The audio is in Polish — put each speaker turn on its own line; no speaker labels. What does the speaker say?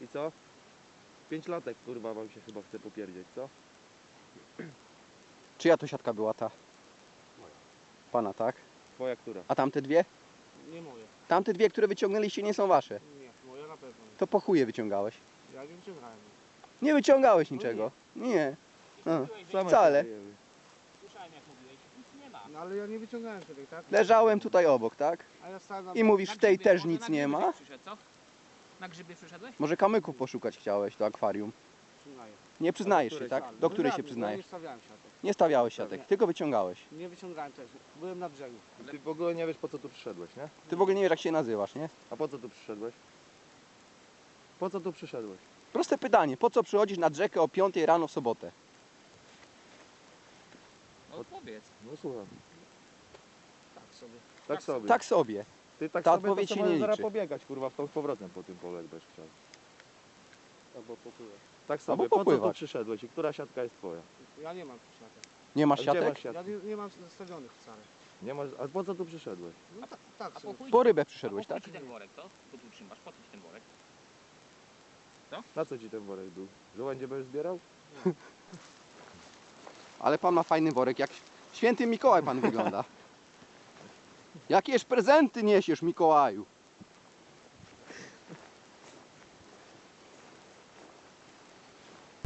co? 5 latek kurwa wam się chyba chce popierdzieć, co?
Czyja to siatka była ta?
Moja.
Pana, tak?
Twoja która?
A tamte dwie?
Nie moje.
Tamte dwie, które wyciągnęliście, nie są wasze.
Nie, moja na pewno nie.
To po chuje wyciągałeś.
Ja nie wyciągałem.
Nie wyciągałeś niczego. Nie. Wcale.
Słyszałem jak mówiłeś, nic nie ma.
No ale ja nie wyciągałem sobie, tak?
Leżałem tutaj obok, tak?
A ja stałem na...
I mówisz,
Na
w tej
grzyby,
też
może
nic
na
nie
grzyby
ma?
Przyszedł, co? Na grzyby przyszedłeś?
Może kamyków poszukać chciałeś, to akwarium.
Przyznaję.
Nie przyznajesz się,
której?
tak?
Ale
Do której się
żadnych, bo Ja
przyznajesz?
nie stawiałem siatek.
Nie stawiałeś siatek,
Nie.
tylko wyciągałeś.
Nie wyciągałem też. Byłem na brzegu.
Ty w ogóle nie wiesz po co tu przyszedłeś, nie?
Ty w ogóle nie wiesz, jak się nazywasz, nie?
A po co tu przyszedłeś? Po co tu przyszedłeś?
Proste pytanie, po co przychodzisz nad rzekę o 5 rano w sobotę?
Odpowiedz.
No słucham.
Tak sobie.
Tak sobie.
Tak sobie.
Ty tak
ta
sobie
odpowiedź
to
się
możesz
nie
zaraz
liczy.
pobiegać kurwa w tą z powrotem po tym polu jak będziesz chciał.
Albo popływać.
Tak
Albo
sobie, po co tu
popływać.
przyszedłeś i która siatka jest twoja?
Ja nie mam siatek.
Nie masz
A gdzie
siatek?
masz siatki?
Ja nie mam zastawionych wcale.
Nie masz, a po co tu przyszedłeś?
No tak
A
sobie.
po chuj,
Po rybę
a
przyszedłeś,
po chuj
tak?
ci ten worek, co? Tu trzymasz, po co ci ten worek?
Na co ci ten worek był? Żołędzie będziesz zbierał?
Ale pan ma fajny worek, jak święty Mikołaj pan wygląda. Jakież prezenty niesiesz, Mikołaju?